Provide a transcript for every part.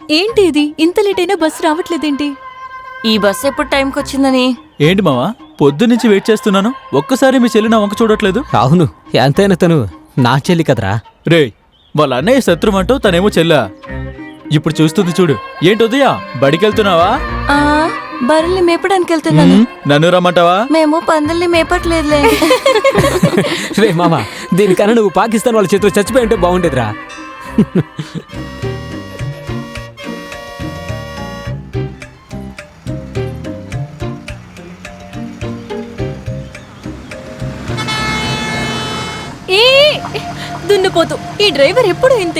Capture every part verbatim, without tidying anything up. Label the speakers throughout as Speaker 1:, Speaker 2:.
Speaker 1: ఏంటి ఇది ఇంత లేట్ అయినా బస్సు రావట్లేదేంటి?
Speaker 2: ఈ బస్సు ఎప్పుడు టైంకి వచ్చిందని?
Speaker 3: ఏంటి మావా, పొద్దు నుంచి వెయిట్ చేస్తున్నాను, ఒక్కసారి మీ చెల్లి నా వంక చూడట్లేదు.
Speaker 4: అవును, ఎంతైనా తను నా చెల్లి కదరా.
Speaker 3: రే, వాళ్ళ అన్నయ్య శత్రువు అంటూ తనేమో చెల్లా. ఇప్పుడు చూస్తుంది చూడు. ఏంటి ఉదయ, బడికెళ్తున్నావా?
Speaker 2: ఆ బర్రెల్ని మేపడానికి వెళ్తున్నాను.
Speaker 3: నన్ను రమ్మంటావా?
Speaker 2: మేము పందుల్ని మేపట్లేదులే.
Speaker 4: రే మామ, దీనికన్నా నువ్వు పాకిస్తాన్ వాళ్ళ చేతిలో చచ్చిపోయి ఉంటే బాగుండేదిరా.
Speaker 1: ఏ దున్నపోతు, ఈ డ్రైవర్ ఎప్పుడు ఇంతే.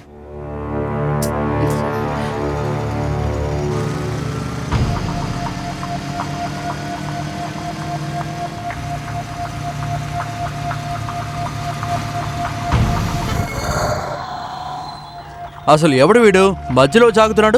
Speaker 5: అసలు ఎవడు వీడు మధ్యలో జాగుతున్నాడు?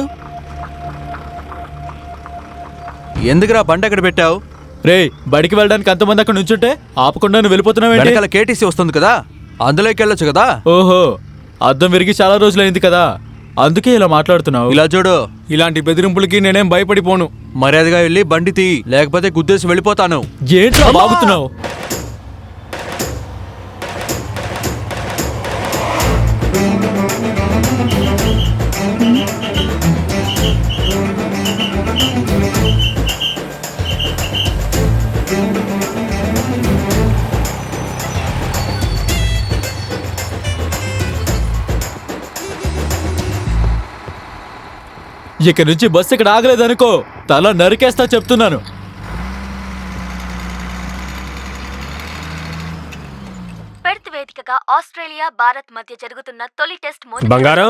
Speaker 5: ఎందుకురా బండి అక్కడ పెట్టావు?
Speaker 3: రే, బడికి వెళ్ళడానికి అంతమంది అక్కడ నుంచుంటే ఆపకుండా నువ్వు వెళ్ళిపోతున్నావు.
Speaker 5: వెనకాల కేటీసీ వస్తుంది కదా, అందులోకి వెళ్ళొచ్చు కదా.
Speaker 3: ఓహో, అద్దం విరిగి చాలా రోజులైంది కదా, అందుకే ఇలా మాట్లాడుతున్నావు.
Speaker 5: ఇలా చూడు,
Speaker 6: ఇలాంటి బెదిరింపులకి నేనేం భయపడిపోను.
Speaker 5: మర్యాదగా వెళ్ళి బండి తీ, లేకపోతే గుద్దేసి వెళ్ళిపోతాను.
Speaker 3: ఏంట్రా బాగుతున్నావు? ఇక నుంచి బస్సు ఇక్కడ ఆగలేదనుకో, తల నరికేస్తా చెప్తున్నాను.
Speaker 7: పెర్త్ వేదికగా ఆస్ట్రేలియా భారత్ మధ్య జరుగుతున్న తొలి టెస్ట్
Speaker 4: బంగారం